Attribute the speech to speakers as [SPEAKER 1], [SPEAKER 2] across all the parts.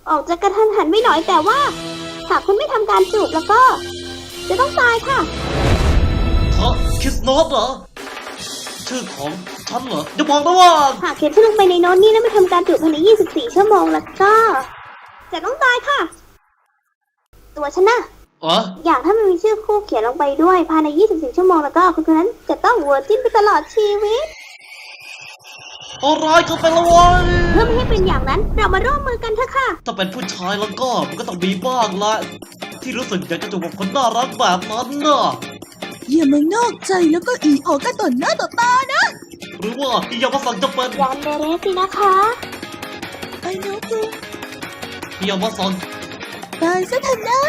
[SPEAKER 1] ออกจะกระทันหันไม่หน่อยแต่ว่าหากคุณไม่ทำการจูบแล้วก็จะต้องตายค่ะ
[SPEAKER 2] คริสโนสเหรอชื่อของฉันเหรออย่าบอกนะว่า
[SPEAKER 1] หากเขียนชื่อลงไปในโน้ตนี้แล้วไม่ทำการจูบภายใน24 ชั่วโมงแล้วก็จะต้องตายค่ะตัวฉันนะอย่างถ้ามันมีชื่อคู่เขียนลงไปด้วยภายใน24 ชั่วโมงแล้วก็คนนั้นจะต้องเวอร์จินไปตลอดชีวิต
[SPEAKER 2] โอ้ร้ายเกินไปแล้ววะ
[SPEAKER 1] เพื่อไม่ให้เป็นอย่างนั้นเรามาร่วมมือกันเถอะค่ะ
[SPEAKER 2] ถ้าเป็นผู้ชายแล้วก็มันก็ต้องมีบ้างละที่รู้สึกอยากจะจูบกับคนน่ารักแบบนั้นน่ะ
[SPEAKER 3] อย่ามานอกใจแล้วก็อีออกกันต่อหน้าต่อตานะ
[SPEAKER 2] หรือว่าอย่ามาสั่งจะเป็น
[SPEAKER 1] ยันเดเรสสินะคะ
[SPEAKER 3] ไอ้น้องกู
[SPEAKER 2] อย่ามาสั่ง
[SPEAKER 3] ตายซะเถอะนะ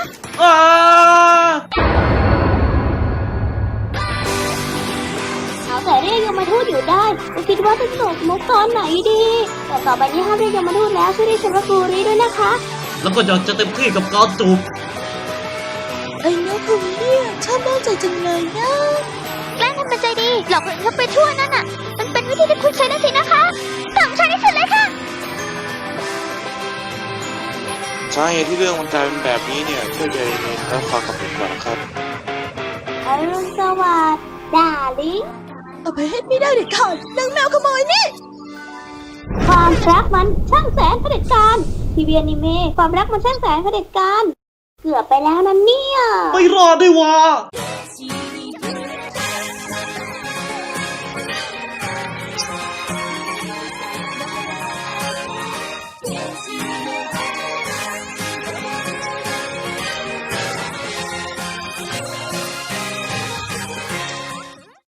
[SPEAKER 1] เอาแต่เรียกยมทูตอยู่ได้ก็คิดว่าจะสนุกมุกตอนไหนดีแต่ต่อไปนี้ห้ามเรียกยมทูตแล้วช่วยเรียกฉันว่ากูรีด้วยนะคะ
[SPEAKER 2] แล้วก็อยากจะเต็มที่กับการจูบ
[SPEAKER 3] ไอ้น้องกูเนี่ยชอบนอกใจจังเลยนะ
[SPEAKER 1] แกล้งทำเป็นใจดีหลอกคนอื่นเข้าไปทั่วนั่นน่ะมันเป็นวิธีที่คุณใช้ได้สินะคะสั่งใช้ที่สุดเลยค่ะ
[SPEAKER 4] ใช่ที่เรื่องมันกลายเป็นแบบนี้เนี่ยช่วยใจเย็นแล้วฟังกับผมก่อนนะครับ
[SPEAKER 1] อรุณสวัสดิ์ดาลิง
[SPEAKER 3] เอาไปให้ไม่ได้เด็ดขาดนางแมวขโมยนี่
[SPEAKER 1] ความรักมันช่างแสนเผด็จการทีวีอนิเมะความรักมันช่างแสนเผด็จการเกือบไปแล้วนะเนี่ย
[SPEAKER 2] ไม่รอดด้วยวะ